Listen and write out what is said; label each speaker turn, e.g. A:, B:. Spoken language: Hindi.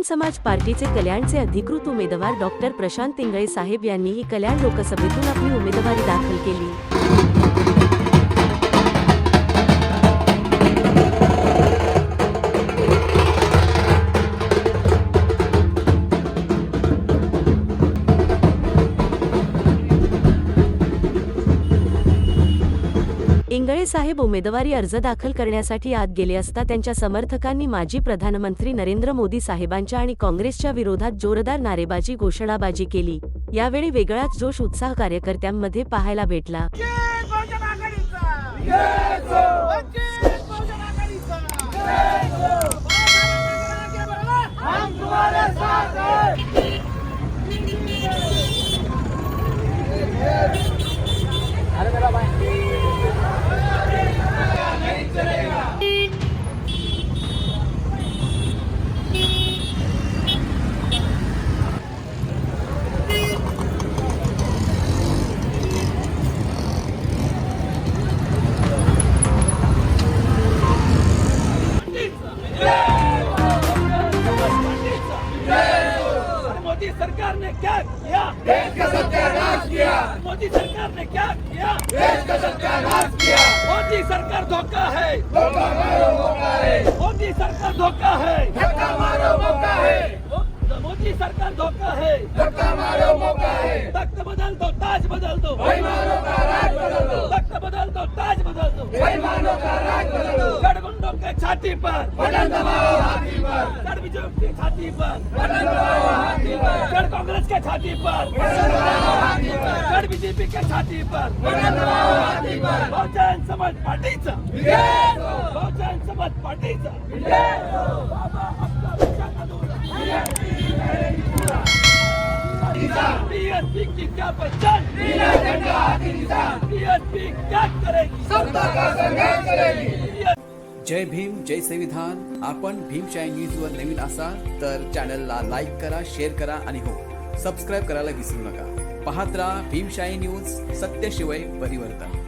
A: समाज पार्टीचे कल्याणचे अधिकृत उमेदवार डॉक्टर प्रशांत इंगळे साहेब यांनीही कल्याण लोकसभेतून आपली उमेदवारी दाखल केली। इंगळे साहेब उमेदवारी अर्ज दाखल करण्यासाठी आत गेले असता त्यांच्या समर्थकांनी माजी प्रधानमंत्री नरेंद्र मोदी साहेबांच्या आणि काँग्रेसच्या विरोधात जोरदार नारेबाजी घोषणाबाजी केली। यावेळी वेगळाच जोश उत्साह कार्यकर्त्यांमध्ये पाहायला भेटला।
B: मोदी सरकार ने क्या किया? देश का सत्यानाश किया। मोदी सरकार ने क्या किया? देश का सत्यानाश किया। मोदी सरकार धोखा है, धोखा मारो मौका है। मोदी सरकार धोखा है, धक्का मारो मौका है। मोदी सरकार धोखा है, धक्का मारो मौका है। तख्त बदल दो, ताज बदल दो, बेईमानों का राज बदल दो। तख्त बदल दो, ताज बदल दो, बेईमानों का राज बदल दो। गठबंधन के छाती पर बटन दबाओ, हाथी पर। गढ़ बीजेपी की छाती पर बटन दबाओ, हाथी पर। गढ़ कांग्रेस के छाती पर बटन दबाओ, हाथी पर। गढ़ बीजेपी के छाती पर बटन दबाओ, हाथी पर। बहुजन समाज पार्टीचा विजय हो, बहुजन समाज पार्टीचा विजय हो। बाबा आपका विचार अधूरा, बीएसपी की क्या पहचान? नीला झंडा हाथी निशान। बीएसपी क्या करेगी? सत्ता का संघर्ष करेगी।
C: जय भीम, जय संविधान। आपण भीमशाही न्यूजवर नवीन असाल तर चॅनलला लाईक करा, शेअर करा आणि हो, सबस्क्राईब करायला विसरू नका। पाहत राहा भीमशाही न्यूज, सत्य शिवाय परिवर्तन।